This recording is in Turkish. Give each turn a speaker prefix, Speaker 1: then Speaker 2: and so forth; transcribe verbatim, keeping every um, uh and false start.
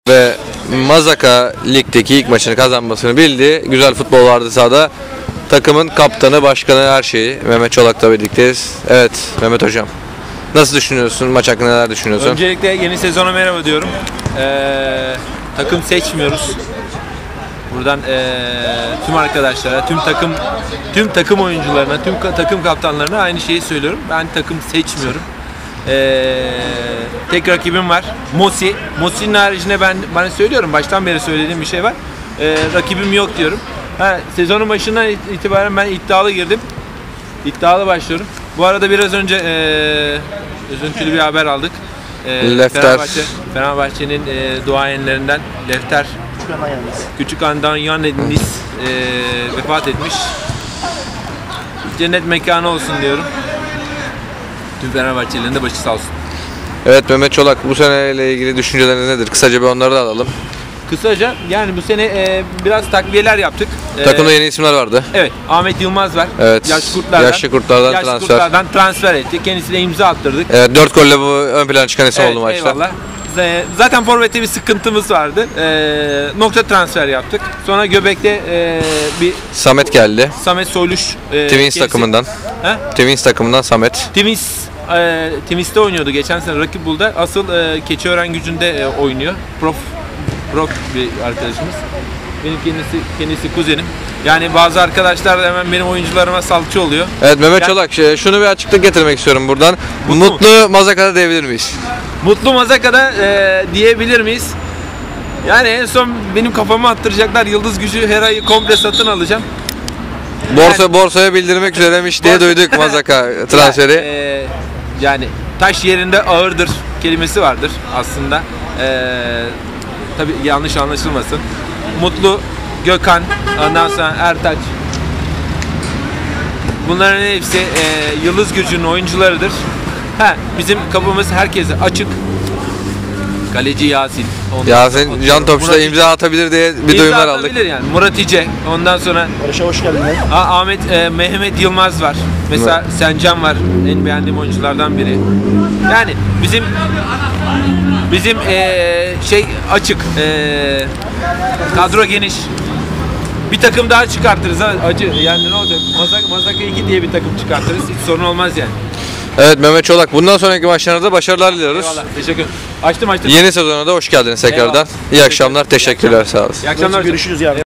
Speaker 1: Ve Mazaka ligdeki ilk maçını kazanmasını bildi. Güzel futbol vardı sahada. Takımın kaptanı, başkanı, her şeyi. Mehmet Çolak'la birlikteyiz. Evet Mehmet Hocam. Nasıl düşünüyorsun? Maç hakkında neler düşünüyorsun?
Speaker 2: Öncelikle yeni sezona merhaba diyorum. Ee, takım seçmiyoruz. Buradan ee, tüm arkadaşlara, tüm takım tüm takım oyuncularına, tüm ka takım kaptanlarına aynı şeyi söylüyorum. Ben takım seçmiyorum. Ee, tek rakibim var. Mosi. Mosi'nin haricinde ben bana söylüyorum. Baştan beri söylediğim bir şey var. Ee, rakibim yok diyorum. Ha, sezonun başından itibaren ben iddialı girdim. İddialı başlıyorum. Bu arada biraz önce ee, üzüntülü bir haber aldık. Ee,
Speaker 1: Lefter.
Speaker 2: Fenerbahçe, Fenerbahçe'nin ee, duayenlerinden Lefter Küçük Andan Yannis ee, vefat etmiş. Cennet mekanı olsun diyorum. Tüm Fenerbahçelilerin de başı sağ olsun.
Speaker 1: Evet Mehmet Çolak, bu seneyle ilgili düşünceleriniz nedir? Kısaca bir onları da alalım.
Speaker 2: Kısaca yani bu sene e, biraz takviyeler yaptık.
Speaker 1: Takımda yeni isimler vardı.
Speaker 2: Evet, Ahmet Yılmaz var.
Speaker 1: Evet.
Speaker 2: Yaş kurtlardan,
Speaker 1: Yaşlı kurtlardan
Speaker 2: yaş
Speaker 1: transfer.
Speaker 2: kurtlardan transfer etti. Kendisine imza attırdık.
Speaker 1: Evet, dört golle bu ön plana çıkan isim
Speaker 2: Evet,
Speaker 1: oldu maçta.
Speaker 2: eyvallah. Zaten forvette bir sıkıntımız vardı. E, nokta transfer yaptık. Sonra Göbek'te e, bir
Speaker 1: Samet geldi.
Speaker 2: Samet Soyluş e,
Speaker 1: Twins
Speaker 2: kendisi,
Speaker 1: takımından.
Speaker 2: He?
Speaker 1: Twins takımından Samet.
Speaker 2: Twins e, Twins'te oynuyordu geçen sene Rakip Bul'da. Asıl e, Keçiören Gücü'nde e, oynuyor. Prof Prof bir arkadaşımız. Benim kendisi kendisi kuzenim. Yani bazı arkadaşlar da hemen benim oyuncularıma salça oluyor.
Speaker 1: Evet Mehmet
Speaker 2: Yani,
Speaker 1: Çolak, şunu bir açıklık getirmek istiyorum buradan.
Speaker 2: Mutlu,
Speaker 1: Mutlu Mazaka'da diyebilir miyiz?
Speaker 2: Mutlu Mazaka'da e, diyebilir miyiz? Yani en son benim kafama attıracaklar. Yıldız Gücü her ayı komple satın alacağım.
Speaker 1: Borsa
Speaker 2: Yani,
Speaker 1: borsaya bildirmek üzeremiş diye
Speaker 2: borsa-
Speaker 1: duyduk Mazaka transferi.
Speaker 2: Yani, e, yani taş yerinde ağırdır kelimesi vardır aslında. E, tabii yanlış anlaşılmasın. Mutlu, Gökhan, ondan sonra Ertaç. Bunların hepsi e, Yıldız Gücü'nün oyuncularıdır. Ha, bizim kapımız herkese açık. Kaleci Yasin. Ondan
Speaker 1: Yasin
Speaker 2: sonra-
Speaker 1: Can Topçu'da
Speaker 2: Murat-
Speaker 1: imza atabilir diye bir
Speaker 2: İmza
Speaker 1: duyumlar aldık.
Speaker 2: atabilir yani. Murat İce. Ondan sonra
Speaker 3: Barış'a hoş geldin.
Speaker 2: Ha, Ahmet e, Mehmet Yılmaz var. Mesela Sencan var. En beğendiğim oyunculardan biri. Yani bizim bizim e, şey açık. E, kadro geniş. Bir takım daha çıkartırız ha acı. Yani ne olacak? Mazak Mazaka iki diye bir takım çıkartırız. Hiç sorun olmaz yani.
Speaker 1: Evet Mehmet Çolak, bundan sonraki maçlarda başarılar diliyoruz.
Speaker 2: Eyvallah. Teşekkür. Açtım açtım.
Speaker 1: Yeni sezona da hoş geldiniz tekrardan.
Speaker 2: Eyvallah.
Speaker 1: İyi akşamlar, teşekkürler, sağ olasın.
Speaker 2: İyi akşamlar.
Speaker 3: Görüşürüz yarın.